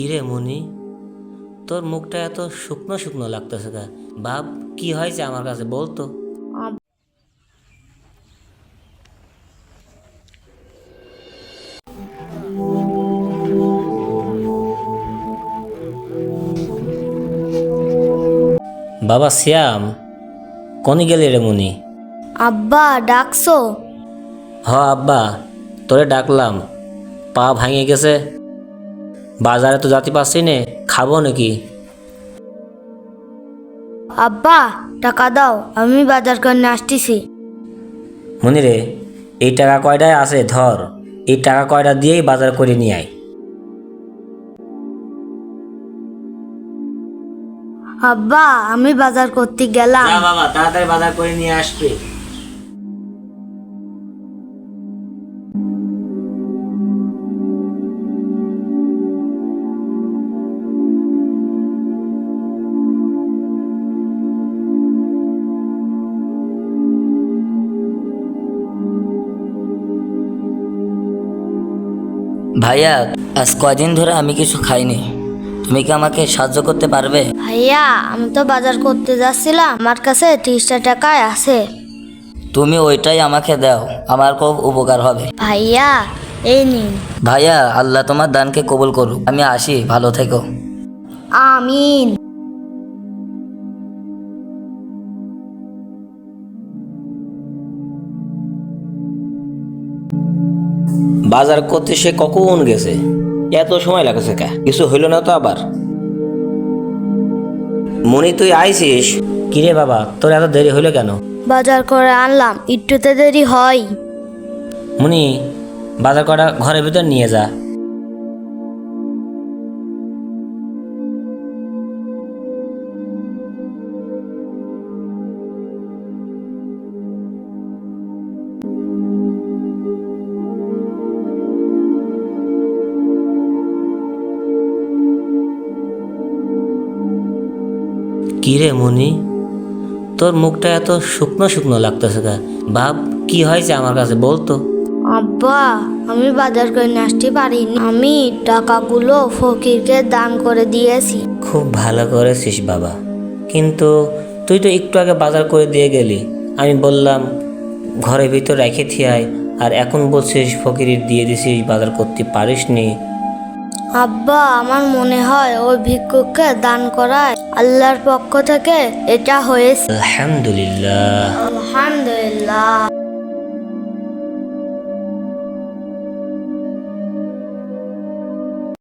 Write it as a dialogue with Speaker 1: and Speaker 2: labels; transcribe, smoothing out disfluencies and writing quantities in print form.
Speaker 1: কিরে মনি, তোর মুখটা এত শুকনো শুকনো লাগতেছে কা? বাপ, কি হয়েছে আমার কাছে বলতো। বাবা শ্যাম, কনি গেলি রে মনি?
Speaker 2: আব্বা ডাকছো?
Speaker 1: আব্বা, তোরে ডাকলাম। পা ভাঙে গেছে, বাজারে তো যাতে পারছি নে, খাবো নাকি?
Speaker 2: আব্বা টাকা দাও, আমি বাজার করে আসতেছি।
Speaker 1: মনি রে, এই টাকা কয়টায় আছে ধর, এই টাকা কয়টা দিয়েই বাজার করে নিয়ে আয়।
Speaker 2: আব্বা আমি বাজার করতে গেলাম।
Speaker 1: বাবা, তাড়াতাড়ি বাজার করে নিয়ে আসবে।
Speaker 3: ভাইয়া, আজ কয়দিন ধরে আমি কিছু খাইনি, তুমি কি আমাকে সাহায্য করতে পারবে?
Speaker 2: ভাইয়া আমি তো বাজার করতে যাচ্ছিলাম, আমার কাছে 30টা টাকায় আছে।
Speaker 3: তুমি ওইটাই আমাকে দাও, আমার খুব উপকার হবে।
Speaker 2: ভাইয়া এই নিন।
Speaker 3: ভাইয়া, আল্লাহ তোমার দানকে কবুল করুক। আমি আসি, ভালো থেকো।
Speaker 2: আমিন।
Speaker 1: বাজার করতে সে কখন গেছে? এত সময় লাগছে কা? কিছু হইল না তো আবার? মনি, তুই আইছিস? কিরে বাবা, তোর এত দেরি হইলো কেন?
Speaker 2: বাজার করে আনলাম, একটুতে দেরি হয়।
Speaker 1: মনি, বাজার করা ঘরের ভিতর নিয়ে যা। কিরে মনি, তোর মুখটা এত শুকনো শুকনো লাগতেছে কা? বাপ, কি হয়েছে আমার কাছে বলতো।
Speaker 2: আব্বা আমি বাজার করে আসতে পারিনি, আমি টাকাগুলো ফকিরকে দান করে দিয়েছি।
Speaker 1: খুব ভালো করেছিস বাবা, কিন্তু তুই তো একটু আগে বাজার করে দিয়ে গেলি। আমি বললাম ঘরের ভিতর রেখে থিয়াই, আর এখন বলছিস ফকিরের দিয়ে দিছিস, বাজার করতে পারিসনি।
Speaker 2: আব্বা আমার মনে হয় ওই ভিক্ষুককে দান করায় আল্লাহর পক্ষ থেকে এটা হয়েছে।
Speaker 1: আলহামদুলিল্লাহ।
Speaker 2: আলহামদুলিল্লাহ।